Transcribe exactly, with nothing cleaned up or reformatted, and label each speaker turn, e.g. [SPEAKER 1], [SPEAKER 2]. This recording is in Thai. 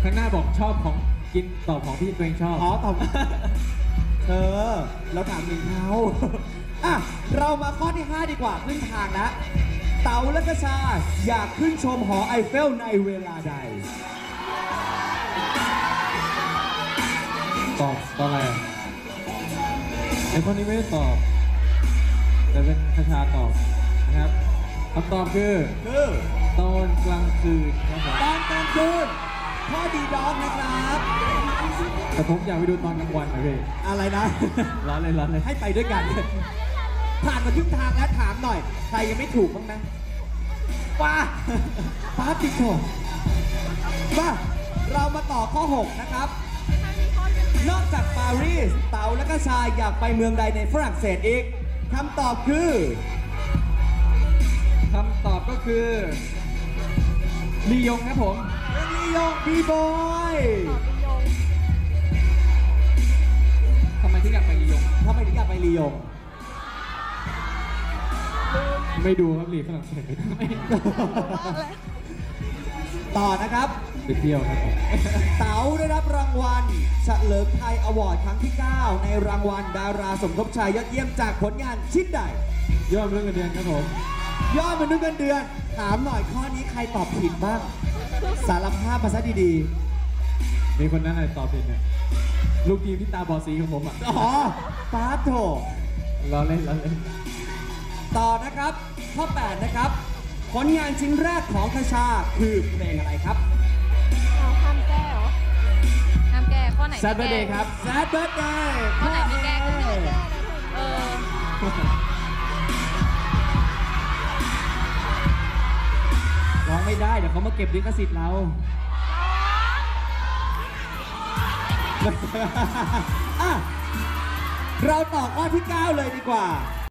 [SPEAKER 1] ข้างหน้าบอกชอบของกินตอบของที่ตัวเองชอบ
[SPEAKER 2] อ๋อตอบเธอเราถามถึงเขาอ่ะเรามาข้อที่ห้าดีกว่าขึ้นทางแล้วเต๋าและกระชาอยากขึ้นชมหอไอเฟลในเวลาใด
[SPEAKER 1] ตอบตอบอะไรอ่ะไอ้คนนี้ไม่ได้ตอบแต่เป็นคาชาตอบนะครับคำตอบคือ
[SPEAKER 2] คือ
[SPEAKER 1] ตอนกลางคืนครับผม
[SPEAKER 2] ตอนกลางคืนข้อดีด็อกนะครับ
[SPEAKER 1] แต่ผมอยากไปดูตอนกลางวันนะพี่
[SPEAKER 2] อะไรนะ
[SPEAKER 1] ร้อนเลยร้อนเลย
[SPEAKER 2] ให้ไปด้วยกัน ผ่านมาครึ่งทางแล้วถามหน่อย ใครยังไม่ถูกบ้างนะป้าป้าติโกมาเรามาต่อข้อหกนะครับ นอกจากปารีสเต๋าและก็ชายอยากไปเมืองใดในฝรั่งเศสอีกคำตอบคือ
[SPEAKER 1] คำตอบก็คือลียงครับผม
[SPEAKER 2] เรื่องลียงบีบอย
[SPEAKER 1] ทำไมถึงอยากไปลียง
[SPEAKER 2] ทำไมถึงอยากไปลียง
[SPEAKER 1] ไม่ดูครับลีฝรั่งเศสไม่
[SPEAKER 2] ต่อนะครับ
[SPEAKER 1] ไปเที่ยวครับผม
[SPEAKER 2] เต๋าได้รับรางวัลเฉลิมไทยอวอร์ดครั้งที่ เก้า ในรางวัลดาราสมทบชายยอดเยี่ยมจากผลงานชิ้นใด
[SPEAKER 1] ยอดเรื่องเงินเดือนครับผม
[SPEAKER 2] ยอดมนุษย์เงินเดือน ถามหน่อยข้อนี้ใครตอบผิดบ้าง สารภาพมาซะดี
[SPEAKER 1] มีคนนั้นอะไรตอบผิดเนี่ยลูกทีมที่ตาบอดสีของผมอ่ะ
[SPEAKER 2] ๆ อ๋อปาโถ
[SPEAKER 1] ล้อเล่นล้อเล่น
[SPEAKER 2] ต่อนะครับ ข้อ แปด นะครับ ผลงานชิ้นแรกของคชาคือเพลงอะไรครับ
[SPEAKER 3] เอาห้ามแก้เหรอห้ามแก้ข้อไหน
[SPEAKER 1] แซดเบอร์เดย์ครับ
[SPEAKER 2] Sad Birthday
[SPEAKER 3] ข้อไหนไม่แก้ก็ไม่ได้แก้เออ
[SPEAKER 1] ร้องไม่ได้ เดี๋ยวเขามาเก็บลิขสิทธิ์เรา
[SPEAKER 2] อ่ะเราต่อข้อที่ เก้า เลยดีกว่า